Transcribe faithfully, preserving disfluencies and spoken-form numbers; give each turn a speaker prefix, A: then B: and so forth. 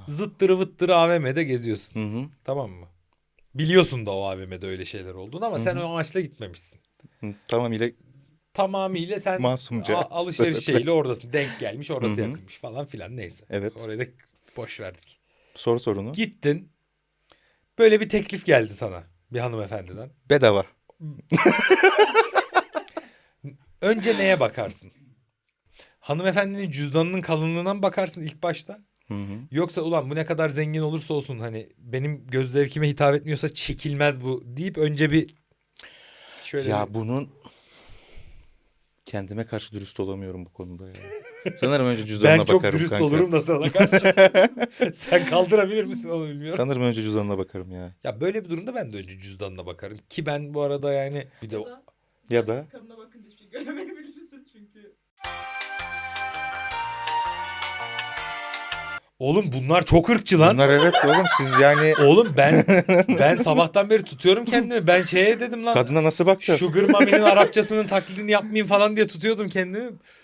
A: Zıttırı vıttırı A V M'de geziyorsun.
B: Hı hı.
A: Tamam mı? Biliyorsun da o A V M'de öyle şeyler olduğunu ama
B: Hı
A: sen
B: hı.
A: o amaçla gitmemişsin.
B: Hı, tamamıyla
A: Tamamıyla sen
B: masumca.
A: a- alışveriş şeyiyle oradasın. Denk gelmiş,
B: Hı
A: orası
B: hı.
A: yakınmış falan filan, neyse.
B: Evet.
A: Orayı da boş verdik.
B: Sor sorunu.
A: Gittin. Böyle bir teklif geldi sana bir hanımefendiden.
B: Bedava.
A: Önce neye bakarsın? Hanımefendinin cüzdanının kalınlığına mı bakarsın ilk başta?
B: Hı hı.
A: Yoksa ulan bu ne kadar zengin olursa olsun hani benim göz zevkime hitap etmiyorsa çekilmez bu deyip önce bir şöyle
B: Ya
A: bir...
B: bunun kendime karşı dürüst olamıyorum bu konuda ya. Sanırım önce cüzdanına
A: Ben çok
B: bakarım
A: dürüst
B: kanka.
A: olurum da sana karşı. Sen kaldırabilir misin onu bilmiyorum.
B: Sanırım önce cüzdanına bakarım ya.
A: Ya böyle bir durumda ben de önce cüzdanına bakarım. Ki ben bu arada yani bir de...
C: Ya da
B: Ya da
C: kanına bakınca hiçbir şey göremeyebilirsin çünkü.
A: Oğlum bunlar çok ırkçı lan.
B: bunlar evet oğlum siz yani
A: Oğlum ben ben sabahtan beri tutuyorum kendimi. Ben şeye dedim lan.
B: kadına nasıl bakacağız?
A: Sugar Mami'nin Arapçasının taklidini yapmayayım falan diye tutuyordum kendimi.